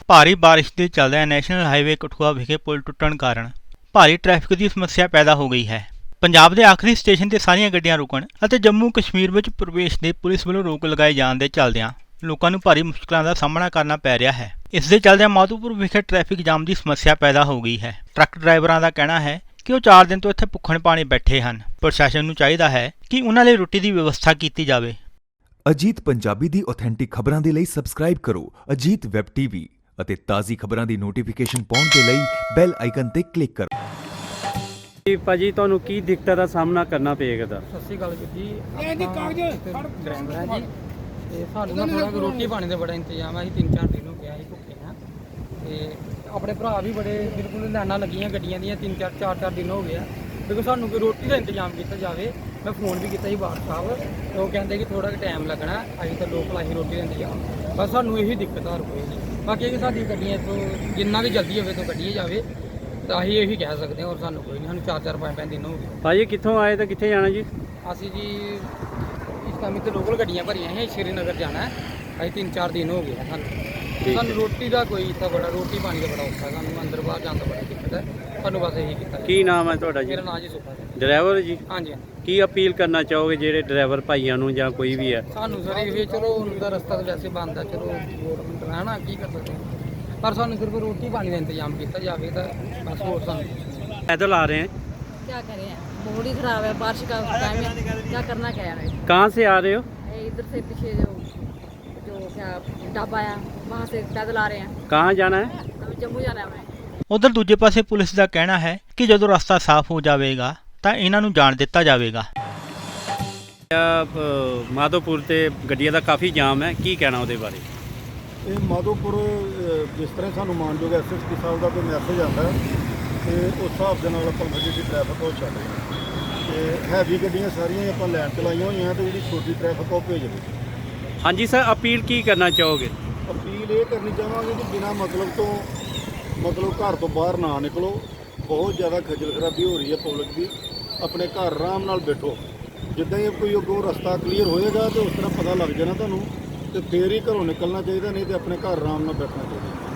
ਭਾਰੀ ਬਾਰਿਸ਼ ਦੇ ਚੱਲਦਿਆਂ ਨੈਸ਼ਨਲ ਹਾਈਵੇ ਕਠੂਆ ਵਿਖੇ ਪੁਲ ਟੁੱਟਣ ਕਾਰਨ ਭਾਰੀ ਟ੍ਰੈਫਿਕ ਦੀ ਸਮੱਸਿਆ ਪੈਦਾ ਹੋ ਗਈ ਹੈ। ਪੰਜਾਬ ਦੇ ਆਖਰੀ ਸਟੇਸ਼ਨ ਤੇ ਸਾਰੀਆਂ ਗੱਡੀਆਂ ਰੁਕਣ ਅਤੇ ਜੰਮੂ ਕਸ਼ਮੀਰ ਵਿੱਚ ਪ੍ਰਵੇਸ਼ ਦੇ ਪੁਲਿਸ ਵੱਲੋਂ ਰੋਕ ਲਗਾਏ ਜਾਣ ਦੇ ਚੱਲਦਿਆਂ ਲੋਕਾਂ ਨੂੰ ਭਾਰੀ ਮੁਸ਼ਕਲਾਂ ਦਾ ਸਾਹਮਣਾ ਕਰਨਾ ਪੈ ਰਿਹਾ ਹੈ। ਇਸ ਦੇ ਚੱਲਦਿਆਂ ਮਾਧੋਪੁਰ ਵਿਖੇ ਟ੍ਰੈਫਿਕ ਜਾਮ ਦੀ ਸਮੱਸਿਆ ਪੈਦਾ ਹੋ ਗਈ ਹੈ। ਟਰੱਕ ਡਰਾਈਵਰਾਂ ਦਾ ਕਹਿਣਾ ਹੈ ਕਿ ਉਹ 4 ਦਿਨ ਤੋਂ ਇੱਥੇ ਭੁੱਖਣ ਪਾਣੀ ਬੈਠੇ ਹਨ। ਪ੍ਰਸ਼ਾਸਨ ਨੂੰ ਚਾਹੀਦਾ ਹੈ ਕਿ ਉਹਨਾਂ ਲਈ ਰੋਟੀ ਦੀ ਵਿਵਸਥਾ ਕੀਤੀ ਜਾਵੇ। ਅਜੀਤ ਪੰਜਾਬੀ ਦੀ ਆਥੈਂਟਿਕ ਖਬਰਾਂ ਦੇ ਲਈ ਸਬਸਕ੍ਰਾਈਬ ਕਰੋ ਅਜੀਤ ਵੈਬ ਟੀਵੀ ਅਤੇ ਤਾਜ਼ੀ ਖਬਰਾਂ ਦੀ ਨੋਟੀਫਿਕੇਸ਼ਨ ਪਾਉਣ ਦੇ ਲਈ ਬੈਲ ਆਈਕਨ ਤੇ ਕਲਿੱਕ ਕਰੋ। ਭਾਜੀ ਤੁਹਾਨੂੰ ਕੀ ਦਿੱਕਤਾਂ ਦਾ ਸਾਹਮਣਾ ਕਰਨਾ ਪਏਗਾ ਦਾ? ਸਤਿ ਸ਼੍ਰੀ ਅਕਾਲ ਜੀ। ਡਰਾਈਵਰ ਹੈ ਜੀ ਤੇ ਸਾਨੂੰ ਨਾ ਥੋੜਾ ਰੋਟੀ ਪਾਣੀ ਦਾ ਬੜਾ ਇੰਤਜ਼ਾਮ ਹੈ। ਅਸੀਂ 3-4 ਦਿਨ ਹੋ ਗਿਆ ਅਸੀਂ ਭੁੱਖੇ ਹਾਂ ਤੇ ਆਪਣੇ ਭਰਾ ਵੀ ਬੜੇ ਬਿਲਕੁਲ ਲਾਈਨਾਂ ਲੱਗੀਆਂ ਗੱਡੀਆਂ ਦੀਆਂ 4-4 ਦਿਨ ਹੋ ਗਏ ਆ ਕਿਉਂਕਿ ਸਾਨੂੰ ਕੋਈ ਰੋਟੀ ਦਾ ਇੰਤਜ਼ਾਮ ਕੀਤਾ ਜਾਵੇ। ਮੈਂ ਫੋਨ ਵੀ ਕੀਤਾ ਸੀ ਬਾਰ ਸਾਹਿਬ ਤੇ ਉਹ ਕਹਿੰਦੇ ਕਿ ਥੋੜਾ ਟਾਈਮ ਲੱਗਣਾ, ਅਸੀਂ ਤਾਂ ਲੋਕ ਲਾਹੀ ਰੋਟੀ ਦਾ ਇੰਤਜ਼ਾਮ। ਬਸ ਸਾਨੂੰ ਇਹੀ ਦਿੱਕਤ ਆ ਕੋਈ ਨਹੀਂ। ਬਾਕੀ ਕਿ ਸਾਡੀ ਗੱਡੀਆਂ ਤੋਂ ਜਿੰਨਾ ਵੀ ਜਲਦੀ ਹੋਵੇ ਤੋਂ ਕੱਢੀ ਜਾਵੇ ਤਾਂ ਅਸੀਂ ਇਹੀ ਕਹਿ ਸਕਦੇ ਹਾਂ। ਔਰ ਸਾਨੂੰ ਕੋਈ ਨਹੀਂ, ਸਾਨੂੰ 4-4 5 ਦਿਨ ਹੋ ਗਏ। ਭਾਜੀ ਕਿੱਥੋਂ ਆਏ ਤਾਂ ਕਿੱਥੇ ਜਾਣਾ ਜੀ? ਅਸੀਂ ਜੀ ਇਸ ਟਾਈਮ ਤੇ ਲੋਕਲ ਗੱਡੀਆਂ ਭਰੀਆਂ ਹੈ, ਸ਼੍ਰੀਨਗਰ ਜਾਣਾ ਹੈ। ਅਸੀਂ 3-4 ਦਿਨ ਹੋ ਗਏ ਸਾਨੂੰ ਰੋਟੀ ਦਾ ਕੋਈ ਇੱਥੇ ਬੜਾ ਰੋਟੀ ਪਾਣੀ ਦਾ ਬੜਾ ਔਖਾ, ਸਾਨੂੰ ਅੰਦਰ ਬਾਹਰ ਜਾਣ ਦਾ ਬੜਾ ਦਿੱਕਤ ਹੈ। ਸਾਨੂੰ ਬਸ ਇਹੀ ਕੀਤਾ। ਕੀ ਨਾਮ ਹੈ ਤੁਹਾਡਾ ਜੀ? ਮੇਰਾ ਨਾਮ ਜੀ ਸੁੱਖਾ ਸਿੰਘ। ਡਰਾਈਵਰ ਜੀ? ਹਾਂਜੀ। ਕੀ ਅਪੀਲ ਕਰਨਾ ਚਾਹੋਗੇ ਜਿਹੜੇ ਡਰਾਈਵਰ ਭਾਈਆਂ ਨੂੰ ਜਾਂ ਕੋਈ ਵੀ ਹੈ? ਸਾਨੂੰ ਸਰ ਇਹ ਚਲੋ ਹੁਣ ਦਾ ਰਸਤਾ ਤਾਂ ਵੈਸੇ ਬੰਦ ਆ, ਚਲੋ ਗੌਰਮੈਂਟ ਹੈ ਨਾ, ਕੀ ਕਰ ਸਕਦੇ ਹਾਂ। ਪਰ ਸਾਨੂੰ ਸਿਰਫ ਰੋਟੀ ਪਾਣੀ ਦਾ ਇੰਤਜ਼ਾਮ ਕੀਤਾ ਜਾਵੇ ਤਾਂ ਬਸ ਹੋਰ ਸਾਨੂੰ। पैदल आ रहे हैं, क्या करें, मूड ही खराब है, बारिश का टाइम है, क्या करना क्या है। कहाँ से आ रहे हो? इधर से पीछे जो क्या ढाबा है वहाँ से पैदल आ रहे हैं। कहाँ जाना है? हमें जम्मू जाना है हमें। ਉਧਰ ਦੂਜੇ ਪਾਸੇ ਪੁਲਿਸ ਦਾ ਕਹਿਣਾ ਹੈ ਕਿ ਜਦੋਂ ਰਸਤਾ ਸਾਫ਼ ਹੋ ਜਾਵੇਗਾ ਤਾਂ ਇਹਨਾਂ ਨੂੰ ਜਾਣ ਦਿੱਤਾ ਜਾਵੇਗਾ। ਮਾਧੋਪੁਰ ਤੇ ਗੱਡੀਆਂ ਦਾ ਕਾਫੀ ਜਾਮ ਹੈ, ਕੀ ਕਹਿਣਾ ਉਹਦੇ ਬਾਰੇ? ਇਹ ਮਾਧੋਪੁਰ ਜਿਸ ਤਰ੍ਹਾਂ ਸਾਨੂੰ ਮਾਨਯੋਗ ਐਸਐਸਪੀ ਸਾਹਿਬ ਦਾ ਕੋਈ ਮੈਸੇਜ ਆਉਂਦਾ ਤੇ ਉਸ ਹਿਸਾਬ ਦੇ ਨਾਲ ਆਪਾਂ ਜਿਹੜੀ ਟ੍ਰੈਫਿਕ ਉਹ ਚੱਲ ਰਹੀ ਹੈ ਤੇ ਹੈਵੀ ਗੱਡੀਆਂ ਸਾਰੀਆਂ ਆਪਾਂ ਲਾਈਨ 'ਚ ਲਾਈਆਂ ਹੋਈਆਂ ਤੇ ਜਿਹੜੀ ਛੋਟੀ ਟ੍ਰੈਫਿਕ ਉਹ ਭੇਜ ਰਹੀ। ਹਾਂਜੀ ਸਰ, ਅਪੀਲ ਕੀ ਕਰਨਾ ਚਾਹੋਗੇ? ਅਪੀਲ ਇਹ ਕਰਨੀ ਚਾਹਾਂਗੇ ਕਿ ਬਿਨਾਂ ਮਤਲਬ ਘਰ ਤੋਂ ਬਾਹਰ ਨਾ ਨਿਕਲੋ। ਬਹੁਤ ਜ਼ਿਆਦਾ ਖੱਜਲ ਖਰਾਬੀ ਹੋ ਰਹੀ ਹੈ ਪਬਲਿਕ ਦੀ। ਆਪਣੇ ਘਰ ਆਰਾਮ ਨਾਲ ਬੈਠੋ, ਜਿੱਦਾਂ ਹੀ ਕੋਈ ਅੱਗੋਂ ਰਸਤਾ ਕਲੀਅਰ ਹੋਏਗਾ ਤੇ ਉਸ ਤਰ੍ਹਾਂ ਪਤਾ ਲੱਗ ਜਾਣਾ ਤੁਹਾਨੂੰ ਤੇ ਫੇਰ ਹੀ ਘਰੋਂ ਨਿਕਲਣਾ ਚਾਹੀਦਾ, ਨਹੀਂ ਤੇ ਆਪਣੇ ਘਰ ਆਰਾਮ ਨਾਲ ਬੈਠਣਾ ਚਾਹੀਦਾ।